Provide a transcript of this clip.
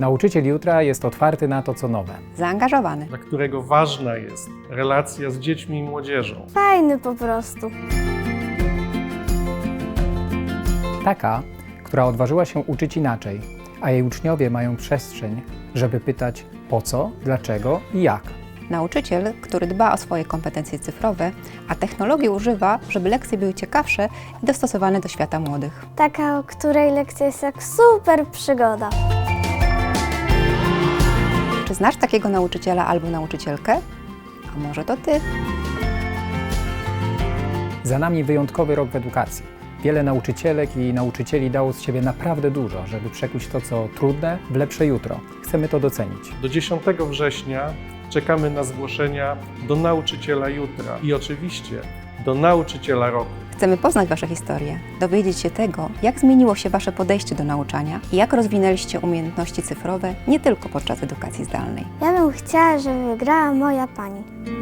Nauczyciel jutra jest otwarty na to, co nowe. Zaangażowany. dla którego ważna jest relacja z dziećmi i młodzieżą. Fajny po prostu. Taka, która odważyła się uczyć inaczej, a jej uczniowie mają przestrzeń, żeby pytać po co, dlaczego i jak. Nauczyciel, który dba o swoje kompetencje cyfrowe, a technologii używa, żeby lekcje były ciekawsze i dostosowane do świata młodych. Taka, o której lekcja jest jak super przygoda. Czy znasz takiego nauczyciela albo nauczycielkę? A może to ty? Za nami wyjątkowy rok w edukacji. Wiele nauczycielek i nauczycieli dało z siebie naprawdę dużo, żeby przekuć to, co trudne, w lepsze jutro. Chcemy to docenić. Do 10 września czekamy na zgłoszenia do nauczyciela jutra i oczywiście do nauczyciela roku. Chcemy poznać Wasze historie, dowiedzieć się tego, jak zmieniło się Wasze podejście do nauczania i jak rozwinęliście umiejętności cyfrowe nie tylko podczas edukacji zdalnej. Ja bym chciała, żeby wygrała moja pani.